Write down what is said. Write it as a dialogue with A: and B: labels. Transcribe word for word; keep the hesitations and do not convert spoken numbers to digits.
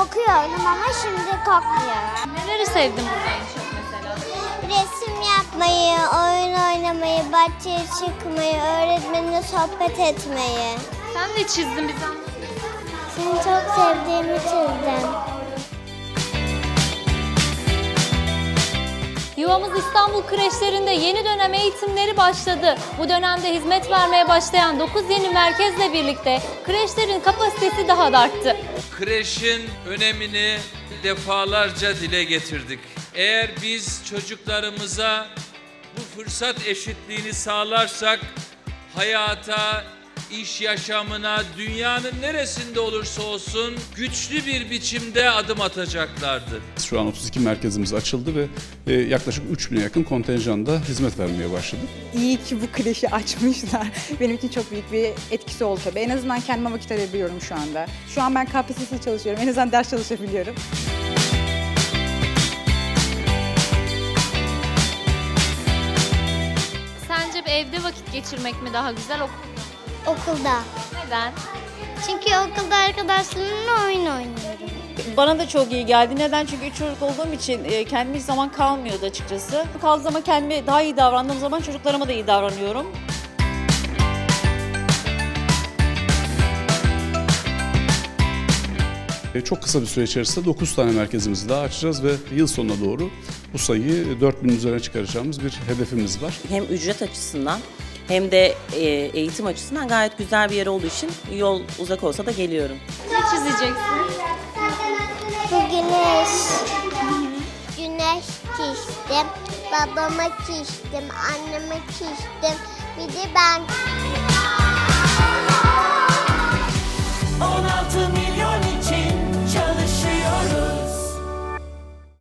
A: korkuyordum ama şimdi korkmuyorum.
B: Neleri sevdin burada en çok mesela?
A: Resim yapmayı, oyun oynamayı, bahçeye çıkmayı, öğretmenle sohbet etmeyi.
B: Sen de çizdin bize anlat.
A: Seni çok sevdiğimi çizdim.
B: Yuvamız İstanbul kreşlerinde yeni dönem eğitimleri başladı. Bu dönemde hizmet vermeye başlayan dokuz yeni merkezle birlikte kreşlerin kapasitesi daha da arttı.
C: Kreşin önemini defalarca dile getirdik. Eğer biz çocuklarımıza bu fırsat eşitliğini sağlarsak hayata, iş yaşamına, dünyanın neresinde olursa olsun güçlü bir biçimde adım atacaklardır.
D: Şu an otuz iki merkezimiz açıldı ve e, yaklaşık üç bine yakın kontenjanda hizmet vermeye başladık.
E: İyi ki bu kreşi açmışlar. Benim için çok büyük bir etkisi oldu tabii. En azından kendime vakit ayırabiliyorum şu anda. Şu an ben K P S S çalışıyorum. En azından ders çalışabiliyorum.
B: Sence bir evde vakit geçirmek mi daha güzel okulda mı?
A: Okulda.
B: Neden?
A: Çünkü okulda arkadaşlarımla oyun oynuyorum.
F: Bana da çok iyi geldi. Neden? Çünkü üç çocuk olduğum için e, kendime hiç zaman kalmıyordu açıkçası. Kaldığı zaman kendime daha iyi davrandığım zaman çocuklarıma da iyi davranıyorum.
D: E, çok kısa bir süre içerisinde dokuz tane merkezimizi daha açacağız ve yıl sonuna doğru bu sayıyı dört binin üzerine çıkaracağımız bir hedefimiz var.
G: Hem ücret açısından hem de e, eğitim açısından gayet güzel bir yer olduğu için yol uzak olsa da geliyorum.
B: Ne çizeceksin?
A: Bu güneş. Güneş çizdim. Babama çizdim. Anneme çizdim. Bir de ben.